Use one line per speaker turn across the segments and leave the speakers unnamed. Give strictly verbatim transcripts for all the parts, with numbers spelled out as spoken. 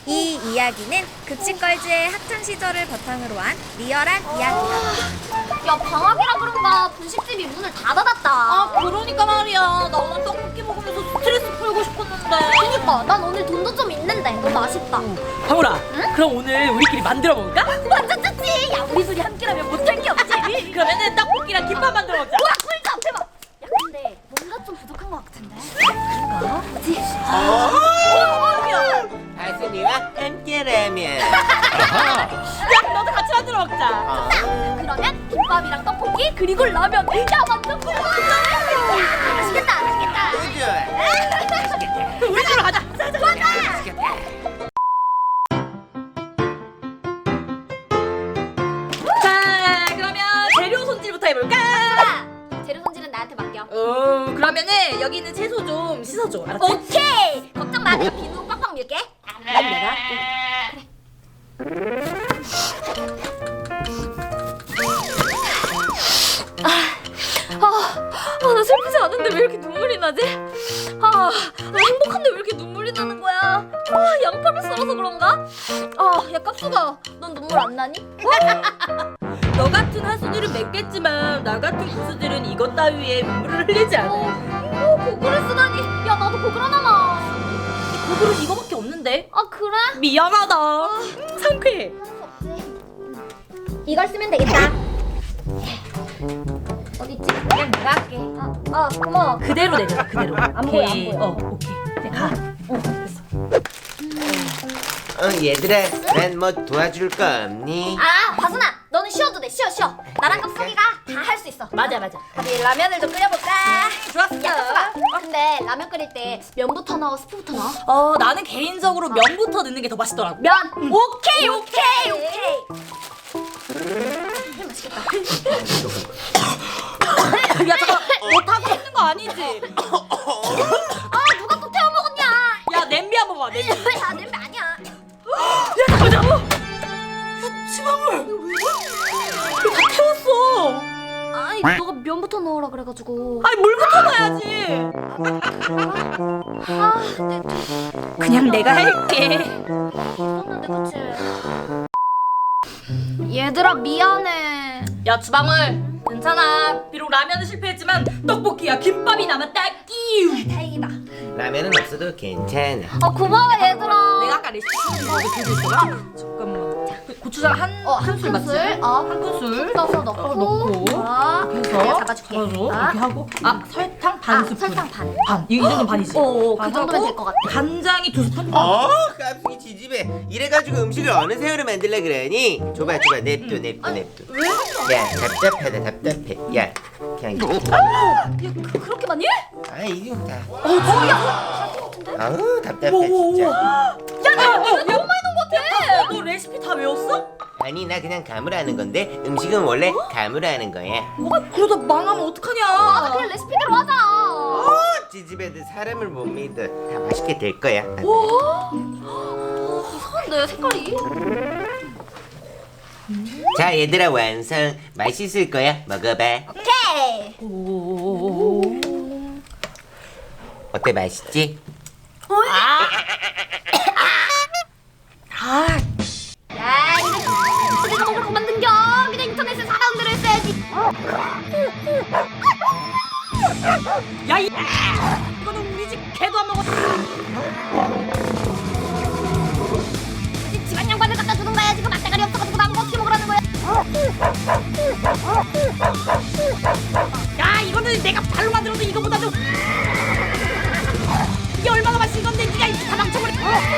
이 이야기는 급식걸즈의 학창 시절을 바탕으로 한 리얼한 이야기다.
야, 방학이라 그런가 분식집이 문을 다 닫았다.
아, 그러니까 말이야. 나 오늘 떡볶이 먹으면서 스트레스 풀고 싶었는데.
그니까 난 오늘 돈도 좀 있는데 너무 아쉽다.
방울아, 응? 그럼 오늘 우리끼리 만들어 먹을까?
완전 좋지. 야, 우리 둘이 함께라면 못할 게 없지.
그러면은 떡볶이랑 김밥 만들어 먹자.
우와, 꿀잠 대박. 야, 근데 뭔가 좀 부족한 것 같은데. 그런가? 그치?
가수님과 함께라면
야, 너도 같이 만들어 먹자.
어.
그러면 김밥이랑 떡볶이 그리고 라면. 야, 완전 꿀잠. 야, 맛있겠다, 맛있겠다.
너무 좋아.
우리 집으로 가자.
좋아, 좋아.
맛있겠다.
자, 그러면 재료 손질부터 해볼까?
자, 재료 손질은 나한테 맡겨.
어, 그러면은 여기 있는 채소 좀 씻어줘. 알았지?
오케이. 걱정 마. 내가 비누 빡빡 밀게.
그럼 내가 할게.
아, 나 슬프지 않은데 왜 이렇게 눈물이 나지? 아, 나 행복한데 왜 이렇게 눈물이 나는 거야? 아, 양파를 썰어서 그런가? 아, 야, 깝수가, 넌 눈물 안 나니?
너 같은 하수들은 맺겠지만 나 같은 고수들은 이것 따위에 눈물을 흘리지 않아.
어, 고글을 쓰다니. 야, 나도 고글 하나만.
고글은 이거밖에 없는데.
아, 그래?
미안하다. 음, 상쾌해.
이걸 쓰면 되겠다. 어딨지? 그냥 내가 할게. 아, 아 고마워.
그대로 내려. 그대로.
안 보여, 안
오케이.
보여.
어, 오케이. 이제 가. 어, 됐어.
어, 얘들아, 난 뭐 도와줄 거 없니?
아, 바순아, 너는 쉬어도 돼. 쉬어, 쉬어. 나랑 깝수기가 다 할 수 있어.
맞아, 맞아.
우리 라면을 좀 끓여볼까?
좋았어.
야, 깝수가. 근데 라면 끓일 때 면부터 넣어, 스프부터 넣어?
어, 나는 개인적으로 면부터 넣는 게 더 맛있더라고.
면. 오케이, 오케이, 오케이. 맛있겠다.
야, 잠깐. 너 타고 있는 거 아니지?
아, 누가 또 태워 먹었냐?
야, 냄비 한번 봐. 냄비.
야, 냄비 아니야.
야, 잠깐, 잠깐. 야, 지방울. 이거 다 태웠어.
아니, 너가 면부터 넣으라 그래가지고.
아니, 물부터 넣어야지.
아, 근데
그냥 내가 할게.
있었는데, 그치? 얘들아, 미안해.
야, 주방울. 괜찮아. 비록 라면은 실패했지만 떡볶이야 김밥이 남았다. 끼우.
다행이다.
라면은 없어도 괜찮아.
아, 고마워, 얘들아.
내가 아까 레시피 쓰는 거 들고 있어라. 잠깐만. 그 고추장 한
어, 한
큰술 맞지?
큰술. 어,
한 큰술.
넣어서 넣고.
어, 넣고.
아,
해서
내가 잡아줄게.
잡아줘.
아.
이렇게 하고. 아, 설탕 반
아,
스푼.
설탕 반.
반. 이, 이 정도 반이지.
어, 어, 그
반
정도면
하고
될 것 같아.
간장이 두 스푼.
어, 깜짝이 지집애. 이래가지고 음식을 어느 새우로 만들려 그러니? 줘봐, 줘봐, 냅둬, 냅둬, 냅둬.
왜?
야, 답답하다, 답답해. 야, 그냥 이거.
야, 그, 그렇게 많이 해?
아, 이거 다.
어, 야, 다것 같은데?
아우, 답답해,
오, 오, 오.
진짜.
야, 야, 야, 너무 많이 넣은 것 같아. 너 레시피 다 외웠어?
아니, 나 그냥 감으로 하는 건데 음식은 원래 감으로 하는 거야.
아, 그러다 망하면 어떡하냐?
아, 그냥 레시피대로 하자.
어, 지집애들 사람을 못 믿어. 다 맛있게 될 거야.
이상한데, 색깔이?
자, 얘들아, 완성. 맛있을 거야. 먹어봐.
오케이.
오.
어때, 맛있지?
아,
야, 이거 내가 먹을 거 만든겨. 그냥 인터넷에 사라운 대로 했어야지.
야, 이 이거는 우리 집 개도 안 먹었어.
집 집안 양반을 갖다 주는 거야. 지금 맛대가리 없어가지고 나보고 어떻게 먹으라는 거야?
야, 이거는 내가 발로 만들어도 이거보다도 이게 얼마나 맛있는 건데 네가 이렇게 다 망쳐버려.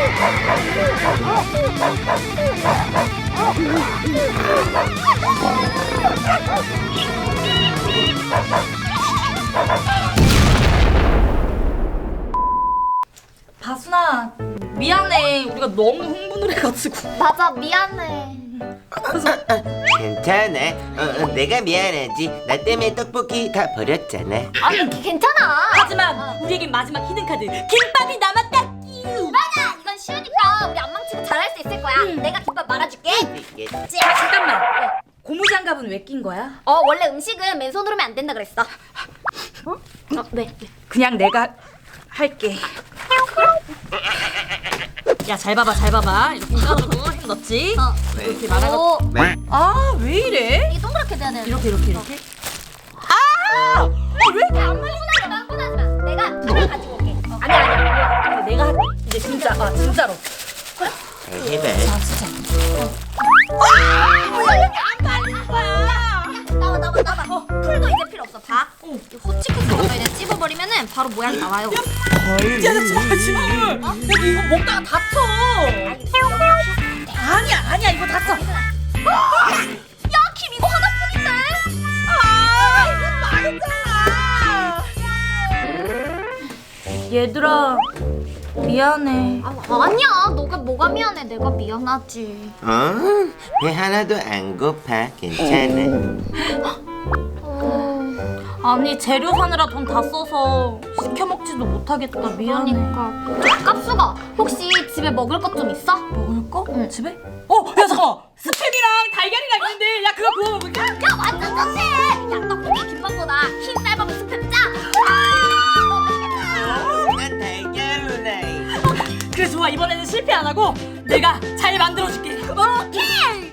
바순아, 미안해. 우리가 너무 흥분을 해가지고.
맞아, 미안해.
괜찮아. 어, 어, 내가 미안하지. 나 때문에 떡볶이 다 버렸잖아.
아니, 괜찮아.
하지만 우리에겐 마지막 히든 카드 김밥이 남았다. 끼우.
맞아, 이건 쉬우니까 우리 안 망치고 잘할 수 있을 거야. 내가 김밥 말아줄게.
이게
아, 잠깐만. 고무장갑은 왜 낀 거야?
어, 원래 음식은 맨손으로 하면 안 된다 그랬어. 어? 어, 네.
그냥 내가 할게. 야, 잘 봐봐, 잘 봐봐. 이렇게 까주고 햄 넣지.
어.
이렇게 말아가.
오,
네.
아, 왜 이래?
이게 동그랗게 돼야 되는데.
이렇게, 이렇게, 이렇게.
왜 이렇게 안 말리고 나지 마, 혼나지 마. 내가 하나 가지고 올게. 어.
아니야, 아니야, 아니야. 내가 할게. 이제 진짜, 아, 진짜로.
잘 해봐.
아, 진짜.
왜 이렇게 안 말리는 거야? 나와, 나와, 나와. 어, 풀도 이제 필요 없어. 봐. 이 후치쿠스 이거 그냥 찝어버리면은 바로 모양 나와요.
야, 나 진짜 지금. 어? 여기 이거 먹다가 다쳐. 아니야, 아니야, 이거 다쳐.
야, 김 이거 하나뿐인데?
아, 이거 말했잖아. 얘들아, 미안해.
아, 아니야. 너가 뭐가 미안해. 내가 미안하지.
어? 배 하나도 안 고파. 괜찮아.
아니, 재료 사느라 돈 다 써서 시켜 먹지도 못하겠다. 미안해.
그러니까. 깝수가 혹시 집에 먹을 것 좀 있어?
먹을 거?
응.
집에? 어, 야, 잠깐. 스팸이랑 달걀이랑 있는데, 야, 그거 구워 먹을까?
야, 완전 좋지. 야, 떡볶이 김밥보다 흰 쌀밥에 스팸 짜. 아, 맛있겠다.
난 달걀로 나이.
그래, 좋아. 이번에는 실패 안 하고 내가 잘 만들어줄게.
오케이.